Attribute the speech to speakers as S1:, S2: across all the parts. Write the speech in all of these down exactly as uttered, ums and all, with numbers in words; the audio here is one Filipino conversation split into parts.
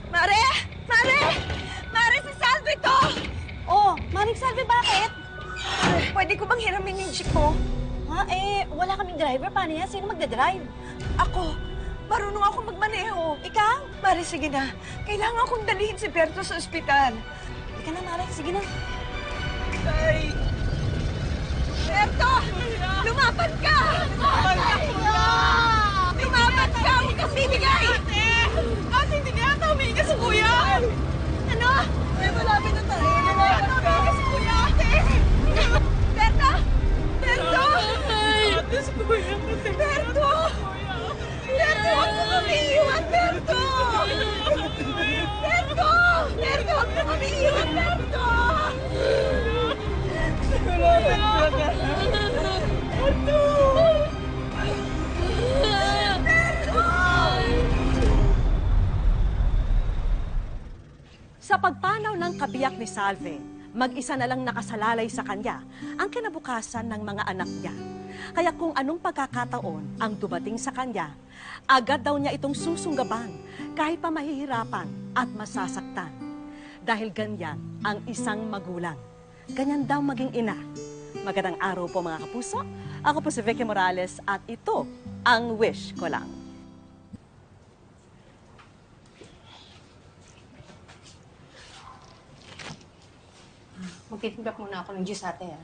S1: Mare! Mare! Mare, si Salve to!
S2: Oh, Maring Salve, bakit?
S1: Pwede ko bang hiramin yung jeep mo?
S2: Ha? Eh, wala kaming driver. Paano yan? Sino magdadrive?
S1: Ako, marunong ako magmaneho.
S2: Ikaw?
S1: Mare, sige na. Kailangan kong dalhin si Berto sa ospital.
S2: Ika na, Mare. Sige na.
S1: Ay! Berto! Lumaban ka! Lumaban ka! Lumaban ka! Huwag kang bibigay! Ate! Ate, hindi kaya ata humingi ka sa kuya! Ano? Ay, malapit na tayo. Lumaban ka! Humingi ka sa kuya, ate! Berto! Berto! Ate, si kuya. Berto! Berto, huwag mo kami iwan, Berto! Berto! Berto, huwag mo kami iwan, Berto! Malapit na tayo. Berto!
S3: Sa pagpanaw ng kabiyak ni Salve, mag-isa na lang nakasalalay sa kanya ang kinabukasan ng mga anak niya. Kaya kung anong pagkakataon ang dumating sa kanya, agad daw niya itong susunggaban kahit pa mahihirapan at masasaktan. Dahil ganyan ang isang magulang. Ganyan daw maging ina. Magandang araw po mga kapuso. Ako po si Vicky Morales at ito ang Wish Ko Lang.
S4: Magtitimpla muna ako ng juice, ate, ah.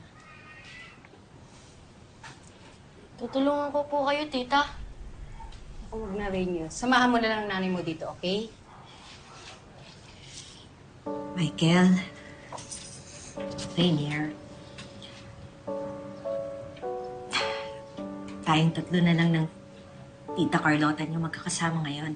S4: Tutulungan ko po kayo, tita. Ako huwag na rin yun. Samahan mo na lang ang nanay mo dito, okay?
S5: Michael, Rainier, tayong tatlo na lang ng Tita Carlota niyo magkakasama ngayon.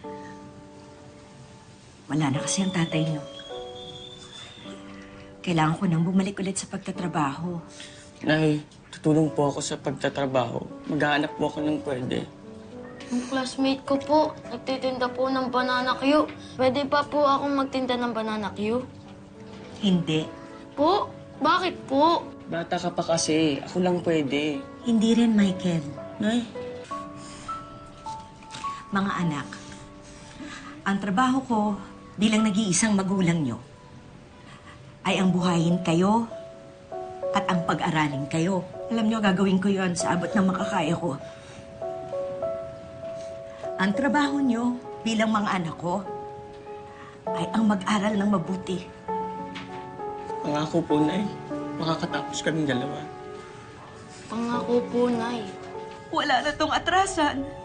S5: Wala na kasi ang tatay niyo. Kailangan ko nang bumalik ulit sa pagtatrabaho.
S6: Nay, tutulong po ako sa pagtatrabaho. Maghahanap po ako ng pwede.
S7: Yung classmate ko po, nagtitinda po ng banana Q. Pwede pa po akong magtinda ng banana Q?
S5: Hindi.
S7: Po? Bakit po?
S6: Bata ka pa kasi. Ako lang pwede.
S5: Hindi rin, Michael.
S6: Nay,
S5: Mga anak, ang trabaho ko bilang nag-iisang magulang nyo ay ang buhayin kayo at ang pag-aralin kayo. Alam nyo, gagawin ko yon sa abot ng makakaya ko. Ang trabaho nyo bilang mga anak ko ay ang mag-aral ng mabuti.
S6: pangako po, Nay. Makakatapos kaming dalawa.
S7: Pangako po, Nay.
S5: Wala na tong atrasan.